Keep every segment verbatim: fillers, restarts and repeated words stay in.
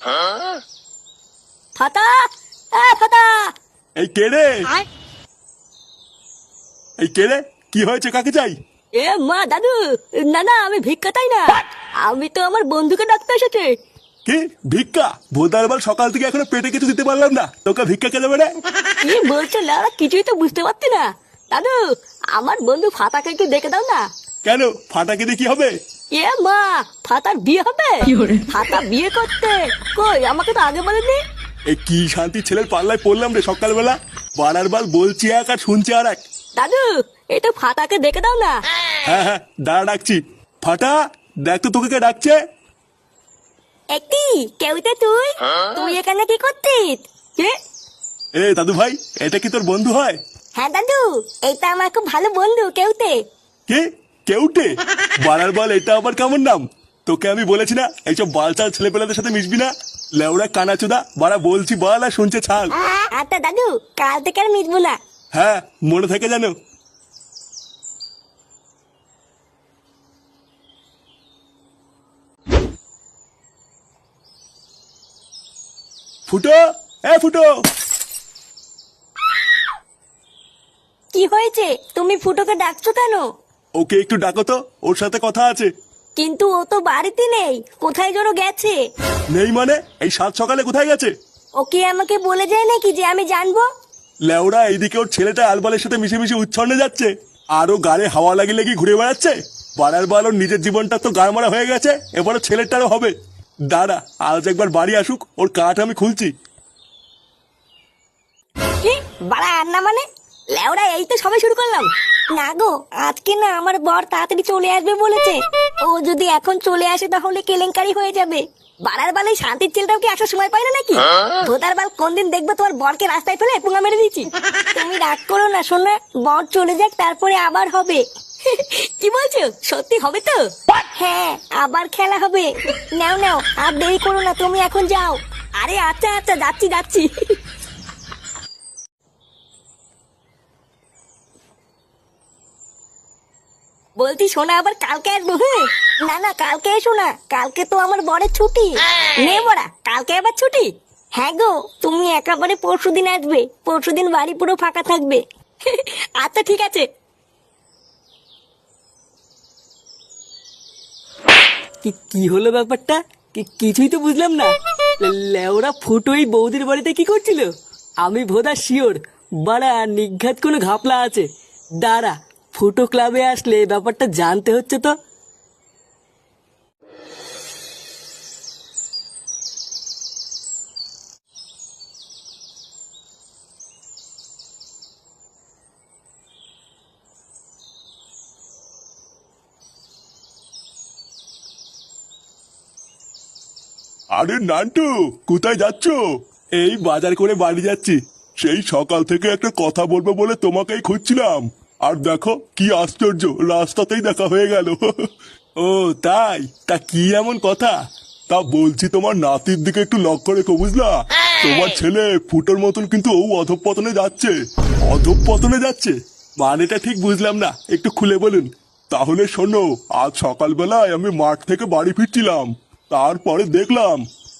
ফাতা, এ ফাতা। এই কে রে? এই কে রে? কি হয়েছে? কাকে চাই? এ মা দাদু, না না আমি ভিক্ষা চাই না, আমি তো আমার বন্ধুকে ডাকতে এসেছি। কি ভিক্ষা? ভোদার বল, সকাল থেকে এখনো পেটে কিছু দিতে পারলাম না, তোকে ভিক্ষা কে দেবে রে? কি বলছো লাউড়া, কিছুই তো বুঝতে পারছি না। দাদু, আমার বন্ধু ফাতাকে একটু দেখে দাও না। কেন? ফাটাকে দিয়ে কি হবে? এ মা, ফাতার বিয়ে হবে? ফাতা বিয়ে করতে? কই, আমাকে তো আগে বলেনি। এই কি শান্তি ছেলের পাল্লায় পড়লাম রে সকালবেলা। বারার বাল বলছি এক আর শুনছি আর এক। দাদু, এটা ফাতাকে দেখে দাও না। হ্যাঁ হ্যাঁ, দাঁড়া ডাকছি। ফাটা, দেখ তো তোকে কে ডাকছে। একটি কেউতে তুই তুই এখানে কি করছিস? কে? এ দাদু ভাই, এটা কি তোর বন্ধু হয়? হ্যাঁ দাদু, এটা আমার খুব ভালো বন্ধু কেউতে। কে? কেউটে? বারার বল, এটা আবার কেমন নাম? তোকে আমি বলেছি না এইসব বালচাল ছেলেপেলাদের সাথে মিশবি না। লেউড়া কানাচোদা, বাড়া বলছি বল আর শুনছে ছাল। আচ্ছা দাদু, কাল থেকে আর মিটবো না। হ্যাঁ, মনে থাকে জানো। ফুটো, এ ফুটো। কি হয়েছে? তুমি ফুটোকে ডাকছো কেন? ওকে একটু ডাকো তো, ওর সাথে কথা আছে। কিন্তু ও তো বাড়িতে নেই, কোথায় যেন গেছে। নেই মানে? এই সাত সকালে কোথায় গেছে? ওকে আমাকে বলে যায় নাকি যে আমি জানবো? লেওড়া, এইদিকে ওর ছেলেটা আলবালের সাথে মিশে মিশে উচ্ছন্নে যাচ্ছে, আরো গাড়ে হাওয়া লাগি লাগি ঘুরে বেড়াচ্ছে। বাড়ার বাল, ওর নিজের জীবনটা তো গাড় মারা হয়ে গেছে, এবারও ছেলেটারও হবে। দাঁড়া, আজ একবার বাড়ি আসুক, ওর কাঠ আমি খুলছি। কি বাড়া আর না মানে? লেওড়া, এই তো সবাই শুরু করলাম। না গো, আজকে না আমার বর তাড়াতাড়ি চলে আসবে বলেছে। ও যদি এখন চলে আসে তাহলে কেলেঙ্কারি হয়ে যাবে। বাড়ার বালে শান্তির ছেলেটাও কি আসার সময় পাই না নাকি? ভোদার বাল, কোন দিন দেখবো তোমার বরকে রাস্তায় ফেলে পুঙ্গা মেরে দিচ্ছি। তুমি রাগ করো না শোনা, বর চলে যাক তারপরে আবার হবে। কি বলছো? সত্যি হবে তো? হ্যাঁ, আবার খেলা হবে। নাও নাও, আর দেরি করো না, তুমি এখন যাও। আরে আচ্ছা আচ্ছা, যাচ্ছি যাচ্ছি। বলছি শোনা, আবার কালকে আসবো? হ্যাঁ, না না কালকে এসো না, কালকে তো আমার বরের ছুটি। নে বড়া, কালকে আবার ছুটি? হ্যাঁ গো, তুমি একেবারে পরশু দিন আসবে, পরশু দিন বাড়ি পুরো ফাঁকা থাকবে। আচ্ছা ঠিক আছে। কি কি হলো ব্যাপারটা? কিছুই তো বুঝলাম না। লেওরা ফুটোই বৌদির বাড়িতে কি করছিল? আমি ভোদা শিওর বাড়া নিঘাত কোনো ঘাপলা আছে। দাঁড়া, ফুটো ক্লাবে আসলে ব্যাপারটা জানতে হচ্ছে তো। আরে নান্টু, কোথায় যাচ্ছ? এই বাজার করে বাড়ি যাচ্ছি। সেই সকাল থেকে একটা কথা বলবো বলে তোমাকেই খুঁজছিলাম। আর দেখো কি আশ্চর্য, রাস্তাতেই দেখা হয়ে গেল। ও তাই? তা কি এমন কথা? তা বলছি, তোমার নাতির দিকে একটু লক্ষ্য রেখো, বুঝলা? তোমার ছেলে ফুটোর মতন কিন্তু ও অধঃপতনে যাচ্ছে। অধঃপতনে যাচ্ছে মানেটা ঠিক বুঝলাম না, একটু খুলে বলুন। তাহলে শোনো, আজ সকালবেলায় আমি মাঠ থেকে বাড়ি ফিরছিলাম, তারপরে দেখলাম।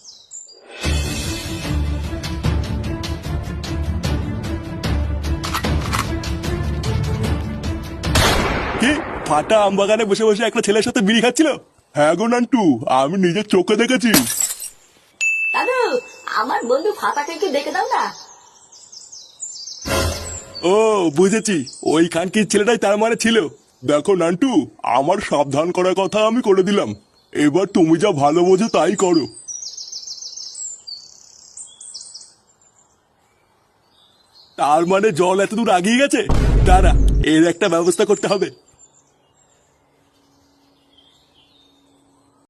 কি? ফাটা আম বাগানে বসে বসে একটা ছেলের সাথে বিড়ি খাচ্ছিল? হ্যাঁ গো নান্টু, আমি নিজের চোখে দেখেছি। দাদু, আমার বন্ধু ফাতাকে একটু দেখে দাও না। ও বুঝেছি, ওই খানকির ছেলেটাই তার মানে ছিল। দেখো নান্টু, আমার সাবধান করার কথা আমি করে দিলাম, এবার তুমি যা ভালো বোঝো তাই করো। তার মানে জল এত দূর আগিয়ে গেছে? দাঁড়া, এর একটা ব্যবস্থা করতে হবে।